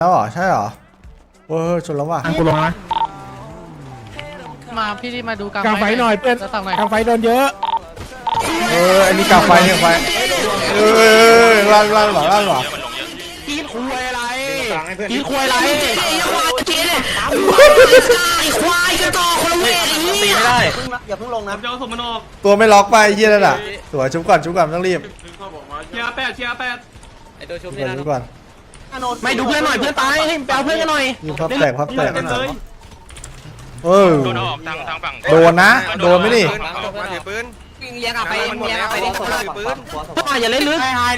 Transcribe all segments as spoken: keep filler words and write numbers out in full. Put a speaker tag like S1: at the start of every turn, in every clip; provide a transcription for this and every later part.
S1: แล้วเหรอใช่เหรอเออชนแล้วว่ะ
S2: กูลงนะ
S3: มาพี่ที่มาดูกลาง
S2: กลางไฟหน่อยเพื่อน
S3: จะสั่งหน่อย
S2: กลางไฟโดนเยอะ
S1: เอออันนี้กลางไฟเนี่ยไฟเออลั่นลั่นหรอลั่นหรอ
S2: กินคุยอะไรกินคุยอะไร
S4: ไอ้ควายเจ๊เนี่ยไอ้ควายกระจอกคนละเวทตีไม่ได้
S5: อย่าเพิ่งลงนะ
S6: เจ้าสมนอก
S1: ตัวไม่ล็อกไปไอ้เหี้ยนั่นน่ะสวยชุบก่อนชุบก่อนต้องรีบ
S6: เชียร์แปดเชียร์แปด
S3: ไอตัวชุบ
S1: ชุบ
S3: นี่
S1: ก่อน
S3: นะ
S1: ชุบก่อน
S4: ไม่ดูเพื่อนหน่อยเพื่อนตายให้แปลเพื่อนกันหน่อย
S1: ยิงพับแตกพับแตก
S6: เลย
S1: เออ
S7: โดนออกทางทางฝั่ง
S1: โดนนะโดนไหมนี่
S7: มาถือปืน
S4: เลี้ยงอ่ะไปเลี้ยงอ่ะไปเลี้ยง
S7: ถือปืน
S4: พวกอย่าเล่นลึก
S1: โอ้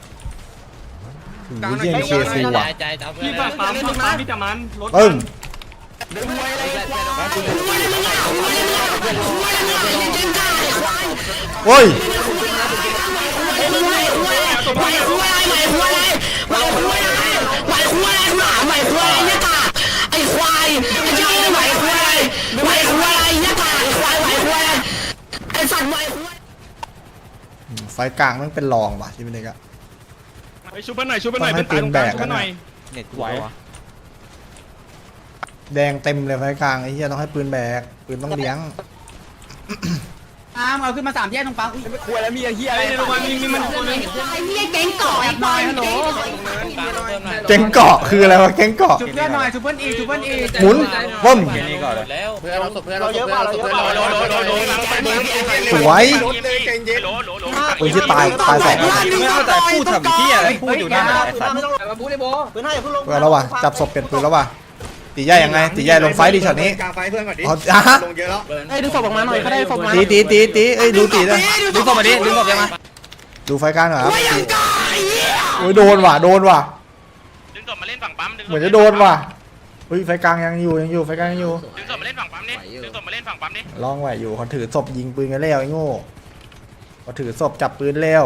S1: ยเยี่ยมเคซีว่ะ
S3: ใจจะเอาเพื่
S6: พี่
S3: อน
S6: ฝั่งปั๊มฝั่งปั๊มพี่จะมันรถ
S1: ปึ้งโอ้ย
S6: ตัวพี่
S4: ควายใหม่ควายใหม่ควายใหม่ควายหมาใหม่ควายเนี่ยตาไอ้ควายไอ้เจ้าใหม่ควายใหม่ควายเนี่ยตาไอ้ควายใหม่ควายไอ้สัตว์ใหม่ควาย
S1: ไฟกลางมันเป็นรองว่ะที่เป็นเด็กอะ
S6: ไปชูเพื่อนหน่อยชูเพื่อนหน่อยเป็นตายตรงกลางชูเพื่อนหน่อย
S3: เน็ตไหว
S1: แดงเต็มเลยไฟกลางไอ้เหี้ยต้องให้ปืนแบกปืนต้องเลี้ยง
S5: อ้ามเอาขึ้นมาสามแยกตรงปั๊มไม่ควรแล้วมีไอ้เหี้ย
S6: ไอ้ในโรงพยาบาลมีมีมันตัวนึง
S4: ไอ้เนี่ยเก่งก่อไอ้ควายเก่ง
S1: แก๊งเกาะคืออะไรวะแก๊งเกาะ
S5: จุดเพื่อนหน่อยจุดเพื่อนอีกจุดเพื่อนอีก
S1: หมุนว่ม
S3: แล้วเพื่อนเราศพเพื่อน
S5: เราเยอะกว่าเราเยอะกว่า
S7: โดนโดนโดนโดน
S1: สวย
S7: โหลโหลโหล
S1: ปืนที่ตายตายสอง
S4: ไม่เอาแต่พูดทำที่อะไร
S5: พูดอยู่นั่นไอ้สัตว์ไม่ต้องมาบู๊เลยโบปืนให้อย่าเพิ่งลง
S1: เพื่อนแล้วว่ะจับศพเปลี่ยนปืนแล้วว่ะตีใหญ่ยังไงตีใหญ่ลงไฟดีช็อตนี้
S2: กลางไฟเพื่อนก่อนดิ
S1: อ๋ออ่ะฮะ
S2: ลงเยอะแล้ว
S4: ไอ้ดูศพออกมาหน่อยเขาได้ศพมา
S1: ตีตีตีตีเอ้ยดูตีด้วย
S4: ดูศพมาดิดูศพยังไง
S1: ดูไฟกลางหน่อยครับ
S4: ไม่ยังกาย
S1: โอ้ยโดนว่ะโดนว่ะ
S7: ดึงศพมาเล่นฝั่งปั๊มดึง
S1: เหมือนจะโดนว่ะเฮ้ยไฟกลางยังอยู่ยังอยู่ไฟกลางยังอยู่
S7: ดึงศพมาเล่นฝั่งปั๊มนี่ดึงศพมาเล่นฝั่งปั๊มนี่
S1: ลองไหวอยู่เขาถือศพยิงปืนกันแล้วไอ้โง่เขาถือศพจับปืนแล้ว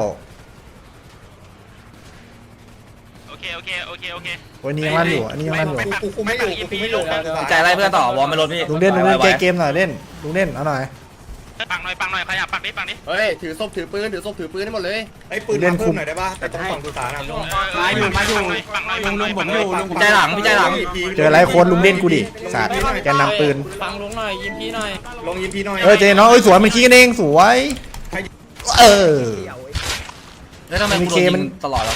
S7: โอเคโอเคโอเคโอเค
S1: โอ้ยนี่ยังลั่นอยู่อันนี้ยังลั่นอยู่
S2: กูคุมไม่อยู่กูคุมไม่อยู่
S4: ใจอะไรเพื่อนต่อวอลไม่ลดพี่
S1: ลุงเล่นลุงเล่นเกมเกมหน่อยเล่นลุงเล่นเอาหน่อย
S7: ปังหน่อยปังหน่อยขยับปังนิดปังนิด
S3: เฮ้ยถือศพถือปืนถือศพถือปืนให้หมดเลย
S2: ไอ้ปืนมาเพิ่มหน่อยได้ป่ะแต่ต้องฝั่งสุสานอ่ะ
S6: มาอยู่มาอยู่
S7: ปังหน่อย
S6: ลุ
S7: ปั
S6: ง
S7: งห
S6: ลุ
S7: น่อง ย
S6: ผมอยู่ลุง
S4: ใจหลังพี่ใจหลัง
S1: เจอไรโคนลุงเล่นกูดิสัตว์แกนำปืน
S3: ฟังลุงหน่อยยิ้มพี่หน่อย
S2: ลงยิมพีหน่อย
S1: เออเจน้องเอ้ยสวยมันขี้กันเองสวยเออ
S4: แล้วทำไมกูโดนยิงตลอดแล้ว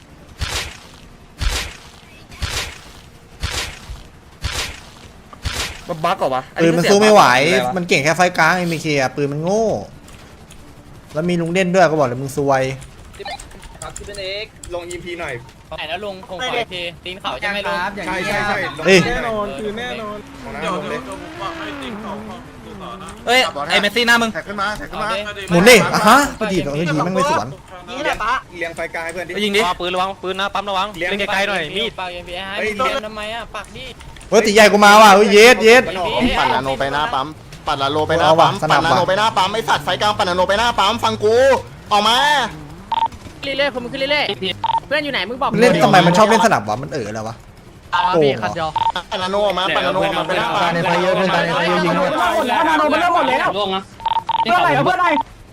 S3: บั๊กเหรอวะ
S1: ปืนมันสู้ไม่ไหวมันเก่งแค่ไฟกลางไอ้เมเคอะปืนมันโง่แล้วมีลุงเล่นด้วยก็บอกเลยมึงซวย
S2: ลงยิมพีหน่อย
S3: ไหนแล้วลุงคงขอทีตีนเขาใช่ไหมลุง
S2: ใช่ใช่ใช่
S1: เฮ้ย
S5: แน่นอนคือแน่นอน
S6: เดี๋ยวเดี๋ยวผมให้ติ๊กเขาดูต่อนะ
S4: เฮ้ยไอ้เมสซี่หน้ามึง
S2: แท็กขึ้นมาแท็กขึ้นมา
S1: หมุนดิอ่ะฮะพอดีเออดีแม่งไม่สวน
S5: นี่แหละปะ
S2: เลี้ยงไฟกลางให้เพื่อนดิ
S4: ไปยิงดิ
S3: ปืนระวังปืนนะปั๊มระวัง
S2: เลี้ยง
S3: เล่นไกลๆหน่อยมีดปากเอ็มพีให้
S2: เฮ้ย
S3: เล่นทำไมอ่ะปากดิ
S1: เฮ้ยตีใหญ่กูมาว่ะเฮ้ยเย็ดเย็ด
S8: ปั่นนาโนไปหน้าปั๊มปั่นนาโนไปหน้า
S1: เอาว่ะ
S8: ปั๊ม
S1: สนั
S8: ปั่
S1: บ
S8: นนาโน
S1: ว่ะ
S8: ไปหน้าปั๊มไอสัตว์ไฟกลางปั่นนาโนไปหน้าปั๊มฟังกูออกมา
S3: เรื่อยๆคนมึงขึ้นเรื่อยๆเพื่อนอยู่ไหนมึงบอก
S1: มันเล่นทำไมมันชอบเล่นสนับวะมันเออแล้ววะ โกงเหรอ
S3: คันเดียว
S8: ปั่นนาโนออกมาปั่นนาโนออกมาไปหน้าปั๊ม
S1: ในไฟเยอะเพื่อนตายในไฟเยอะยิงด้วย
S5: หมดแล้วนาโนมันเริ่มหมดแล้ว
S3: ล่วงนะ
S5: เพื่อนอะไรเพื่อนอะไร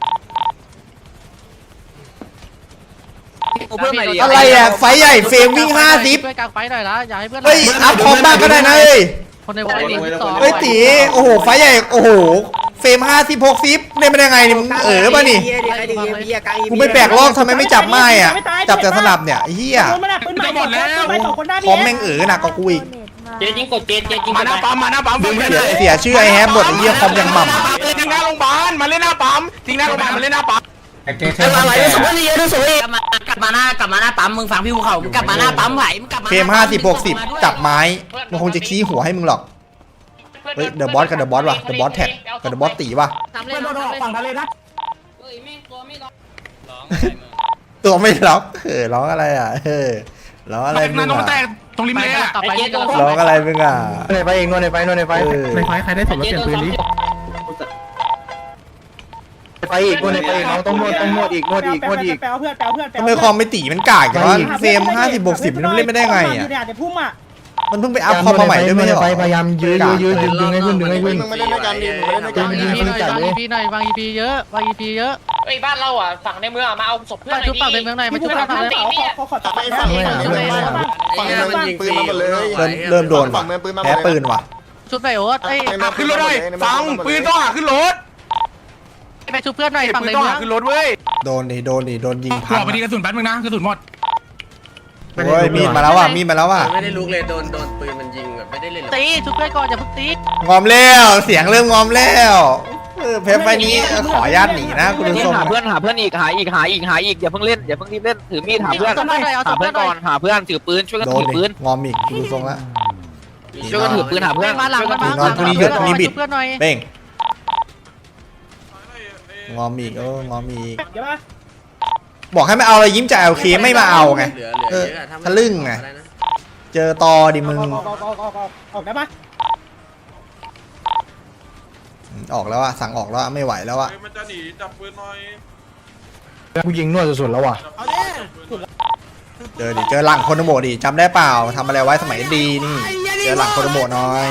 S4: เพื่อนใหม่ดี
S1: อะไรอ่ะไฟใหญ่เฟรมวิ่งห้าสิบ
S3: เพื่อนกลางไฟหน่อยนะอย่าให้เพื่อน
S1: เฮ้ยอัพพร้อมบ้างก็ได้นะเอ้ย
S3: คนในวอลเลย์สอง
S1: เฮ้ยตีโอ้โหไฟใหญ่โอ้โหเฟรมห้าสิบหกสิบเล่นไม่ได้ไงนี่มึงเออป่ะนี่กูไม่แปลกลอกทำไมไม่จับไม้อ่ะจับแต่สนับเนี่ยไอ้เหี้ย
S5: ปืนมันปืนใหม่หมดแล้วไปสองคนหน้า
S1: พร้อมแม่งเออหนักกว่ากูอีก
S3: เจยิงกดเจเจยิง
S6: มาหน้าปั๊มมาหน้าปั๊มเพื่อน
S1: เสียเสียชื่อไอ้แฮมหมดไอ้เหี้ยคอมยังหม่ำ
S6: ทิ้งหน้าโรงพยาบาลมาเล่นหน้าปั๊มทิ้งหน้าโรงพยาบาลมาเล่นหน้าปั๊ม
S4: อะไรดูสุดเลยดูสุดเลยกลับมากลับมาหน้ากลับมาหน้าปั๊มมึงฟังพี่ภูเขากลับมาหน้าปั๊มไหวมึงกลับมา
S1: เฟรมห้าสิบหกสิบจับไม้มันคงจะชี้หัวให้มึงหรอกเฮ้ยเดอะบอสกับเดอะบอสว่ะเดอะบอสแท็กกับเดอะบอสตีว่ะ
S3: ทำเล
S5: เพื่
S3: ย
S5: อนโดนออกฝั่งทะเลนะ
S1: ตัวไม่ล็อกเออร้องอะไรอ่ะเออร้องอะไรมึงอ่ะ
S6: ตรงริมเลยอ่ะ
S3: กลับไปที่เดิม
S1: ร้องอะไรมึงอ่ะ
S2: ในไฟเองนวดในไฟนวดในไฟ
S1: เออ
S2: ในไฟใครได้สมรสเปลี่ยนปืนดิไฟอีกนวดในไฟอีกน้องต้องนวดต้องนวดอีกนวดอีกนวดอีก
S5: แปลเพื่อนแปลเพื่อน
S1: ทำไมคอมไม่ตีมันกากอย่างวะเฟรมห้าสิบหกสิบมันเล่นไม่ได้ไงอ่ะ
S5: เดี๋ยวพุ่มอ่ะ
S1: มันเพิ่งไปอัพคอมมาใหม่ด้วยไม่ใช่เหรอ
S2: พยายามยื้อยื้อยื้อดึงดึงให้ขึ้นดึงให้ขึ้น
S8: มึงมาเล่นด้วยกันดิมึงมาเล่นด้วยกัน
S2: ดึงดึงให้จัดเลย
S3: พีหน่อยวางอีพีเยอะวางอีพีเยอะ
S9: ไอ้บ้านเราอ่ะฝั่งในเมืองมาเอาศพเพื่อน
S3: มาชุบฝั่งในเมืองหน่อยมาชุบฝั่งในเมือง
S8: ไปฝั่งเมืองฝั่งเมืองยิงปืนมาหมดเลย
S1: เริ่มเริ่มโดนว่ะ
S8: ฝั่งเมืองปืนมา
S1: แพ้ปืนว่ะ
S3: ชุบหน่อยโอ๊ตเอ้ย
S6: ขึ้นรถเลยฟังปืนต้องหาขึ้นรถ
S3: ไปชุบเพื่อนหน่อยฝั่ง
S6: ปื
S3: ใน
S6: นต้อง
S3: เมือ
S6: หาง ขึ้นรถเว้ย
S1: โดนดิโดนดิโดนยิง
S6: ข
S1: พัง
S6: อไปดีกระสุนแป๊บนึงนะกระสุนหมด
S1: โอ้ยมีดมาแล้วว่ะมีดมาแล้วว่ะ
S5: ไม่ได้ลุกเลยโดนโดนปืนมันยิงแบบไม่ได้เล่น
S3: ตีชุบเพื่อนก่อนอย่าเพิ่งตี
S1: งอมแล้วเสียงเริ่มงอมแล้วเออเพปไฟนี้ขออนุญาตหนีนะคุณผู้ชม
S5: หาเพื่อนหาเพื่อนอีกหาอีกหาอีกหาอีกอย่าเพิ่งเล่นอย่าเพิ่งรีบเล่นถือมีดหาเพื่อนหาเพื่อนก่อนหาเพื่อนถือปืนช่วยกัน
S1: โดน
S5: ถือ
S1: ดิ
S5: ปืน
S1: งอมอีกดูทรงละ
S5: ช่วยกันถือปืนหาเพื่อน
S3: มาหลังมา
S1: นอนพรุ่งนี้หยุดพรุ่งนี้บิด
S3: เพื่อนหน่อย
S1: เป้งงอมอีกเอองอมอีกบอกให้ไม่เอาอะไรยิ้มจ่ายโอเคไม่มาเอาไงเออทะลึ่งไงเจอตอดิมึง
S3: ออกได้ปะ
S1: ออกแล้วอะสั่งออกแล้วอะไม่ไหวแล้วอะ
S8: มันจะหนีจับปืนหน่อย
S2: กูยิงนวดสุดๆแล้วว่ะ
S1: เจอดิเจอหลังโคโนโมะดิจำได้เปล่าทำอะไรไว้สมัยดีนี่เจอหลังโคโนโมะหน่อย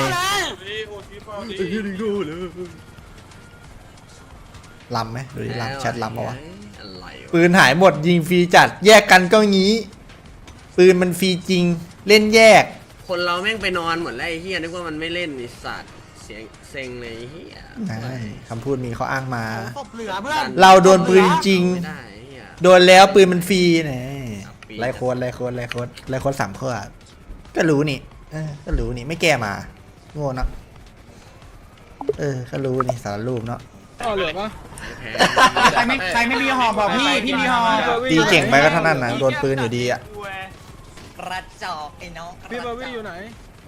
S1: ลำไหมดูดิลำแชทลำปะวะปืนหายหมดยิงฟรีจัดแยกกันก็งี้ปืนมันฟรีจริงเล่นแยก
S5: คนเราแม่งไปนอนหมดแล้วไอ้เฮียนึกว่ามันไม่เล่นไอ้สัตว์เสียงเซ็งเลยไอ้เฮีย
S1: คำพูดมีเขาอ้างมา เราโดนปืนจริง
S5: ไม่ได้ไอ้เหี้ย
S1: โดนแล้วปืนมันฟรีนี่ไล่โค้ดไล่โค้ดไล่โค้ดไล่โค้ดสามข้อก็รู้นี่เออก็รู้นี่ไม่แก้มาโง่เนอะเออก็รู้นี่สารรูปเนาะ
S5: ใครไม่ใครไม่มีหอบอกพี่พี่มีหอ
S1: ตีเก่งไปก็เท่านั้นนะโดนปืนอยู่ดีอ่ะ
S5: กระจอกไอ้น้องพี่บาวี่อยู่ไหน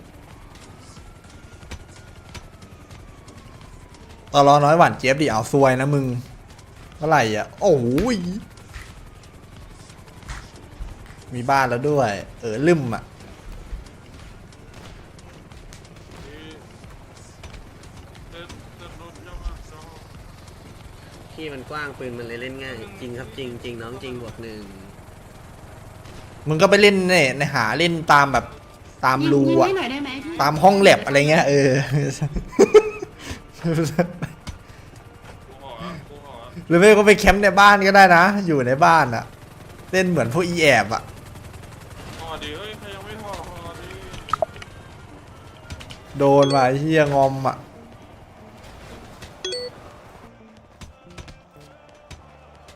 S1: ตอรอน้อยหวานเจี๊ยบดิเอาซวยนะมึงเท่าไหร่อ่ะโอ้ยมีบ้านแล้วด้วย เออลืมอ่ะ
S5: ที่มันกว้างปืนมันเลยเล่นง่ายจริงครับจริงจริงน้องจริงบวกหนึ่ง
S1: มึงก็ไปเล่นเนี่ยในหาเล่นตามแบบตามรูอ่ะตามห้องแลบอะไรเงี้ยเออ หรือไม่ก็ไปแคมป์ในบ้านก็ได้นะ อยู่ในบ้านอะเล่นเหมือนพวกอีแอบอะโดนว่ะไอ้เฮียงอมอะ